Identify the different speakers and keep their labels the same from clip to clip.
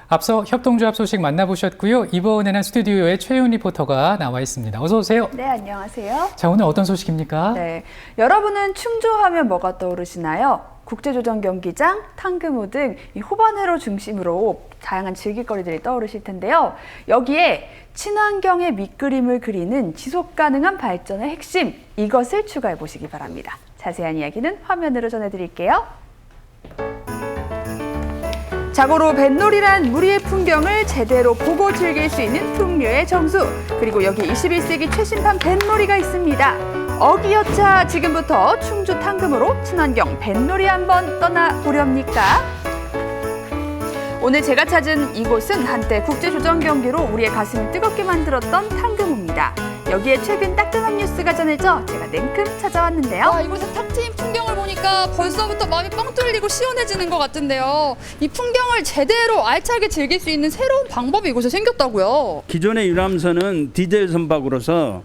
Speaker 1: 앞서 협동조합 소식 만나보셨고요. 이번에는 스튜디오에 최윤 리포터가 나와 있습니다. 어서 오세요.
Speaker 2: 네, 안녕하세요.
Speaker 1: 자, 오늘 어떤 소식입니까?
Speaker 2: 네, 여러분은 충주하면 뭐가 떠오르시나요? 국제조정 경기장, 탕금호 등 이 호반회로 중심으로 다양한 즐길거리들이 떠오르실 텐데요. 여기에 친환경의 밑그림을 그리는 지속 가능한 발전의 핵심, 이것을 추가해 보시기 바랍니다. 자세한 이야기는 화면으로 전해드릴게요. 자고로 뱃놀이란 무리의 풍경을 제대로 보고 즐길 수 있는 풍류의 정수. 그리고 여기 21세기 최신판 뱃놀이가 있습니다. 어기여차 지금부터 충주 탕금호로 친환경 뱃놀이 한번 떠나보렵니까? 오늘 제가 찾은 이곳은 한때 국제조정 경기로 우리의 가슴을 뜨겁게 만들었던 탕금호입니다. 여기에 최근 따끈한 뉴스가 전해져 제가 냉큼 찾아왔는데요.
Speaker 3: 와, 이곳에 탁 트인 풍경을 보니까 벌써부터 마음이 뻥 뚫리고 시원해지는 것 같은데요. 이 풍경을 제대로 알차게 즐길 수 있는 새로운 방법이 이곳에 생겼다고요.
Speaker 4: 기존의 유람선은 디젤 선박으로서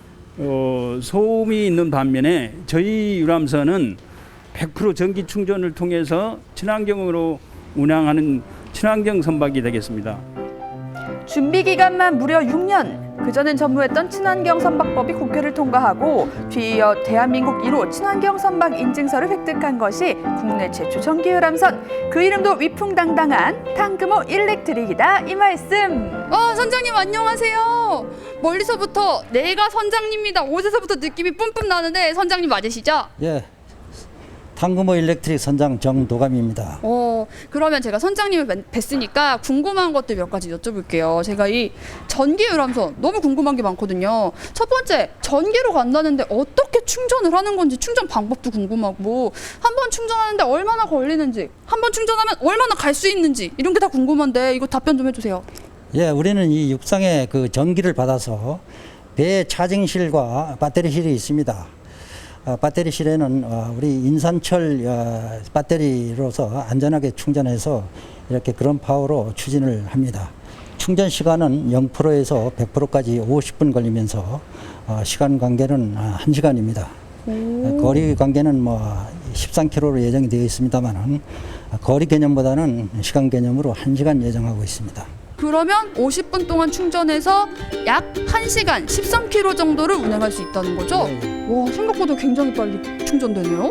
Speaker 4: 소음이 있는 반면에 저희 유람선은 100% 전기 충전을 통해서 친환경으로 운항하는 친환경 선박이 되겠습니다.
Speaker 2: 준비 기간만 무려 6년. 그전엔 전무했던 친환경 선박법이 국회를 통과하고 뒤이어 대한민국 1호 친환경 선박 인증서를 획득한 것이 국내 최초 전기 유람선. 그 이름도 위풍당당한 탕금호 일렉트릭이다. 이 말씀.
Speaker 3: 선장님 안녕하세요. 멀리서부터 내가 선장님이다. 옷에서부터 느낌이 뿜뿜 나는데 선장님 맞으시죠?
Speaker 5: 예, 탕금호 일렉트릭 선장 정도감입니다.
Speaker 3: 그러면 제가 선장님을 뵀으니까 궁금한 것들 몇 가지 여쭤볼게요. 제가 이 전기 유람선 너무 궁금한 게 많거든요. 첫 번째, 전기로 간다는데 어떻게 충전을 하는 건지 충전 방법도 궁금하고, 한 번 충전하는데 얼마나 걸리는지, 한 번 충전하면 얼마나 갈 수 있는지, 이런 게 다 궁금한데 이거 답변 좀 해주세요.
Speaker 5: 예, 우리는 이 육상에 그 전기를 받아서 배 차징실과 배터리실이 있습니다. 배터리실에는 우리 인산철 배터리로서 안전하게 충전해서 이렇게 그런 파워로 추진을 합니다. 충전 시간은 0%에서 100%까지 50분 걸리면서 시간 관계는 1시간입니다. 거리 관계는 뭐 13km로 예정이 되어 있습니다만 거리 개념보다는 시간 개념으로 1시간 예정하고 있습니다.
Speaker 3: 그러면 50분 동안 충전해서 약 1시간 13km 정도를 운행할 수 있다는 거죠? 와, 생각보다 굉장히 빨리 충전되네요.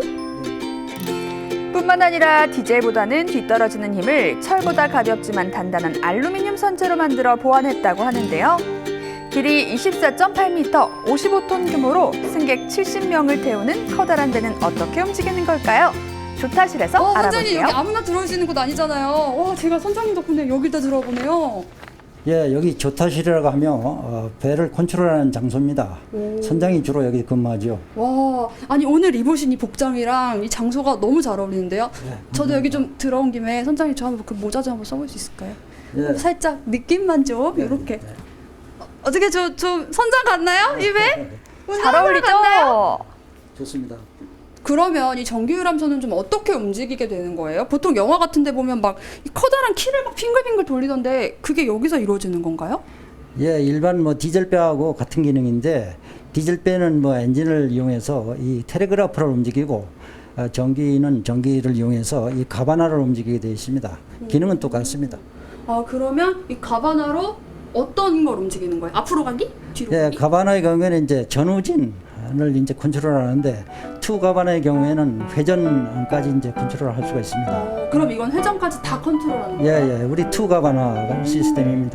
Speaker 2: 뿐만 아니라 디젤보다는 뒤떨어지는 힘을 철보다 가볍지만 단단한 알루미늄 선재로 만들어 보완했다고 하는데요. 길이 24.8m, 55톤 규모로 승객 70명을 태우는 커다란 배는 어떻게 움직이는 걸까요? 조타실에서
Speaker 3: 선장님
Speaker 2: 알아볼게요.
Speaker 3: 여기 아무나 들어올 수 있는 곳 아니잖아요. 와, 제가 선장님 덕분에 여기다 들어보네요.
Speaker 5: 예, 여기 조타실이라고 하면 배를 컨트롤하는 장소입니다. 선장이 주로 여기 근무하죠.
Speaker 3: 와, 아니 오늘 입으신 이 복장이랑 이 장소가 너무 잘 어울리는데요. 저도 여기 좀 들어온 김에 선장님 저 한번 그 모자 좀 한번 써볼 수 있을까요?
Speaker 5: 예.
Speaker 3: 살짝 느낌만 좀 이렇게. 어떻게 저 선장 같나요? 이 배?
Speaker 2: 잘 어울리죠?
Speaker 5: 좋습니다.
Speaker 3: 그러면 이 전기 유람선은 좀 어떻게 움직이게 되는 거예요? 보통 영화 같은 데 보면 막 이 커다란 키를 막 빙글빙글 돌리던데 그게 여기서 이루어지는 건가요?
Speaker 5: 예, 일반 뭐 디젤배하고 같은 기능인데 디젤배는 뭐 엔진을 이용해서 이 텔레그라프를 움직이고 전기는 전기를 이용해서 이 가바나를 움직이게 되어 있습니다. 기능은 똑같습니다.
Speaker 3: 그러면 이 가바나로 어떤 걸 움직이는 거예요? 앞으로 가기? 뒤로
Speaker 5: 예,
Speaker 3: 가기?
Speaker 5: 가바나의 경우에는 이제 전후진을 이제 컨트롤하는데 투 가바나의 경우에는 회전까지 이제 컨트롤할 수가 있습니다.
Speaker 3: 그럼 이건 회전까지 다 컨트롤하는
Speaker 5: 예,
Speaker 3: 거예요?
Speaker 5: 예, 우리 투 가바나 시스템입니다.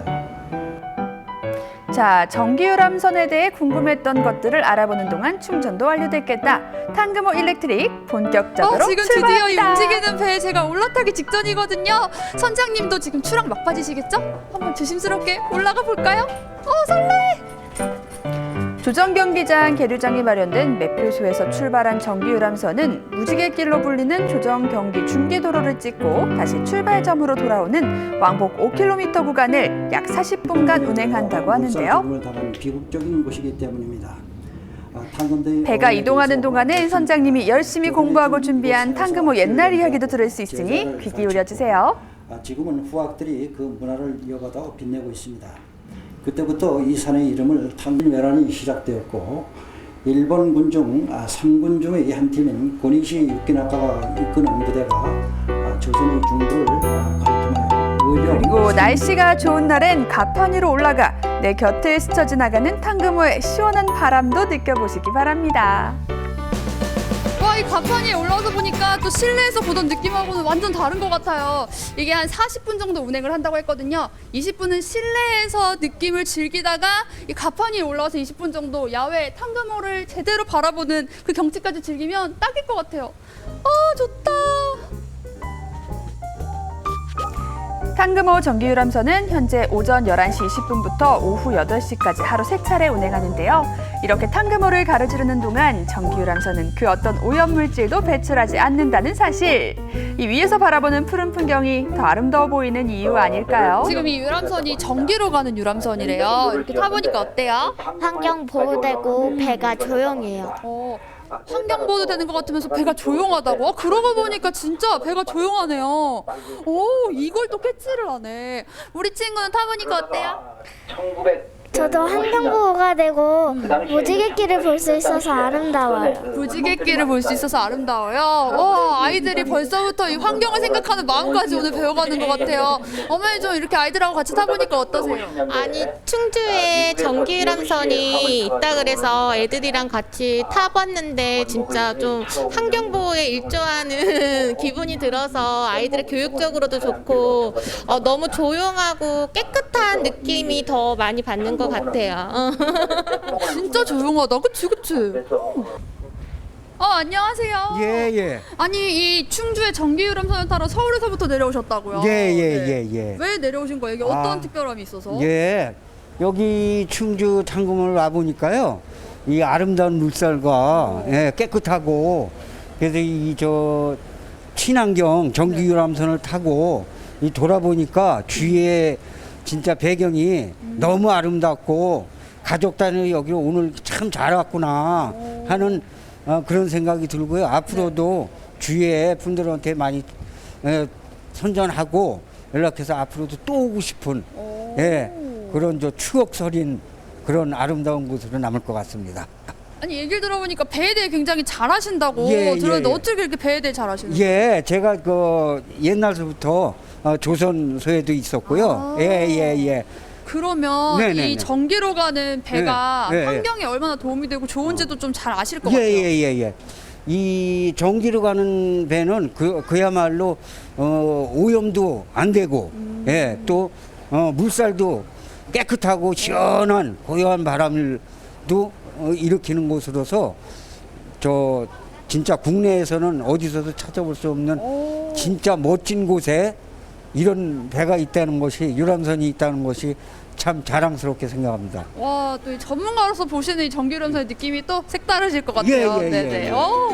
Speaker 2: 자, 전기 유람선에 대해 궁금했던 것들을 알아보는 동안 충전도 완료됐겠다. 탕금호 일렉트릭 본격적으로
Speaker 3: 지금 드디어 이
Speaker 2: 출발합니다.
Speaker 3: 움직이는 배에 제가 올라타기 직전이거든요. 선장님도 지금 추락 막바지시겠죠? 한번 조심스럽게 올라가 볼까요? 설레!
Speaker 2: 조정 경기장 계류장이 마련된 매표소에서 출발한 전기 유람선은 무지갯길로 불리는 조정 경기 중계도로를 찍고 다시 출발점으로 돌아오는 왕복 5km 구간을 약 40분간 운행한다고 하는데요.
Speaker 5: 비극적인 곳이기 때문입니다.
Speaker 2: 배가 이동하는 동안은 선장님이 열심히 공부하고 준비한 탕금호 옛날 이야기도 들을 수 있으니 귀 기울여 주세요.
Speaker 5: 지금은 후학들이 그 문화를 이어가다 빛내고 있습니다. 그때부터 이 산의 이름을 탕진왜란이 시작되었고 일본 군 중 3군 중의 한 팀인 고니시 유키나카가 이끄는 부대가 조선의 중부를 관통하여
Speaker 2: 그리고 날씨가 좋은 날엔 가판 위로 올라가 내 곁을 스쳐 지나가는 탕금호의 시원한 바람도 느껴보시기 바랍니다.
Speaker 3: 와, 이 가판 위에 올라와서 보니까 또 실내에서 보던 느낌하고는 완전 다른 것 같아요. 이게 한 40분 정도 운행을 한다고 했거든요. 20분은 실내에서 느낌을 즐기다가 이 가판 위에 올라와서 20분 정도 야외 탕금호를 제대로 바라보는 그 경치까지 즐기면 딱일 것 같아요. 아, 좋다.
Speaker 2: 탕금호 정기유람선은 현재 오전 11시 20분부터 오후 8시까지 하루 3차례 운행하는데요. 이렇게 탕금호를 가로지르는 동안 정기유람선은 그 어떤 오염물질도 배출하지 않는다는 사실. 이 위에서 바라보는 푸른 풍경이 더 아름다워 보이는 이유 아닐까요?
Speaker 3: 지금 이 유람선이 전기로 가는 유람선이래요. 이렇게 타보니까 어때요?
Speaker 6: 환경 보호되고 배가 조용해요.
Speaker 3: 환경 보호도 되는 것 같으면서 배가 조용하다고? 그러고 보니까 진짜 배가 조용하네요. 오, 이걸 또 캐치를 하네. 우리 친구는 타보니까 어때요?
Speaker 6: 저도 환경 보호가 되고 무지개길을 볼 수 있어서 아름다워요.
Speaker 3: 무지개길을 볼 수 있어서 아름다워요. 와, 아이들이 벌써부터 이 환경을 생각하는 마음까지 오늘 배워가는 것 같아요. 어머니 좀 이렇게 아이들하고 같이 타보니까 어떠세요?
Speaker 7: 아니, 충주에 전기유람선이 있다 그래서 애들이랑 같이 타봤는데 진짜 좀 환경보호에 일조하는 기분이 들어서 아이들의 교육적으로도 좋고 너무 조용하고 깨끗한 느낌이 더 많이 받는 것 같아요.
Speaker 3: 진짜 조용하다. 그치, 그치? 안녕하세요.
Speaker 8: 예.
Speaker 3: 아니, 이 충주에 전기유람선을 타러 서울에서부터 내려오셨다고요?
Speaker 8: 예.
Speaker 3: 왜 내려오신 거예요? 이게 어떤
Speaker 8: 아,
Speaker 3: 특별함이 있어서?
Speaker 8: 예. 여기 충주 탕금을 와 보니까요. 이 아름다운 물살과 깨끗하고 그래서 이 친환경 전기유람선을 타고 이 돌아보니까 주위에 진짜 배경이 너무 아름답고 가족 단위 여기로 오늘 참 잘 왔구나 하는 그런 생각이 들고요. 앞으로도 주위에 분들한테 많이 선전하고 연락해서 앞으로도 또 오고 싶은 그런 추억 서린 그런 아름다운 곳으로 남을 것 같습니다.
Speaker 3: 아니, 얘기를 들어보니까 배에 대해 굉장히 잘하신다고
Speaker 8: 예,
Speaker 3: 들었는데
Speaker 8: 예.
Speaker 3: 어떻게 이렇게 배에 대해 잘하시는 거예요?
Speaker 8: 예, 제가 옛날부터 조선소에도 있었고요. 예.
Speaker 3: 그러면
Speaker 8: 네네네.
Speaker 3: 이 전기로 가는 배가
Speaker 8: 네, 네,
Speaker 3: 환경에 얼마나 도움이 되고 좋은지도 좀 잘 아실 것 같아요.
Speaker 8: 예. 이 전기로 가는 배는 그야말로 오염도 안 되고, 또 물살도 깨끗하고 시원한 고요한 바람도 일으키는 곳으로서 진짜 국내에서는 어디서도 찾아볼 수 없는 진짜 멋진 곳에 이런 배가 있다는 것이, 유람선이 있다는 것이 참 자랑스럽게 생각합니다.
Speaker 3: 와, 또 이 전문가로서 보시는 이 전기유람선의 느낌이 또 색다르실 것 같아요.
Speaker 8: 예.
Speaker 3: 네네.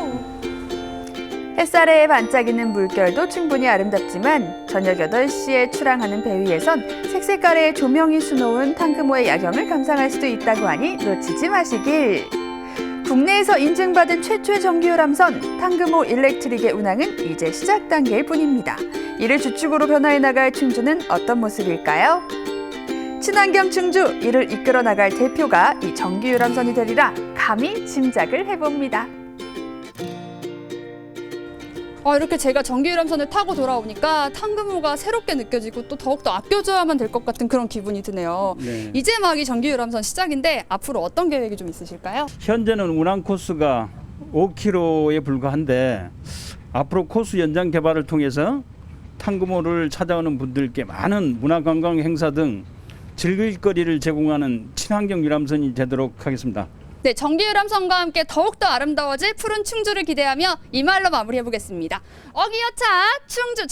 Speaker 2: 햇살에 반짝이는 물결도 충분히 아름답지만 저녁 8시에 출항하는 배 위에선 색색깔의 조명이 수놓은 탕금호의 야경을 감상할 수도 있다고 하니 놓치지 마시길. 국내에서 인증받은 최초의 전기유람선 탕금호 일렉트릭의 운항은 이제 시작 단계일 뿐입니다. 이를 주축으로 변화해 나갈 충주는 어떤 모습일까요? 친환경 충주, 이를 이끌어 나갈 대표가 이 전기유람선이 되리라 감히 짐작을 해봅니다.
Speaker 3: 이렇게 제가 전기유람선을 타고 돌아오니까 탕금호가 새롭게 느껴지고 또 더욱더 아껴줘야만 될 것 같은 그런 기분이 드네요.
Speaker 4: 네.
Speaker 3: 이제 막 이 전기유람선 시작인데 앞으로 어떤 계획이 좀 있으실까요?
Speaker 4: 현재는 운항 코스가 5km에 불과한데 앞으로 코스 연장 개발을 통해서 탕금호를 찾아오는 분들께 많은 문화관광 행사 등 즐길 거리를 제공하는 친환경 유람선이 되도록 하겠습니다.
Speaker 3: 네, 전기유람선과 함께 더욱더 아름다워질 푸른 충주를 기대하며 이 말로 마무리해보겠습니다. 어기여차 충주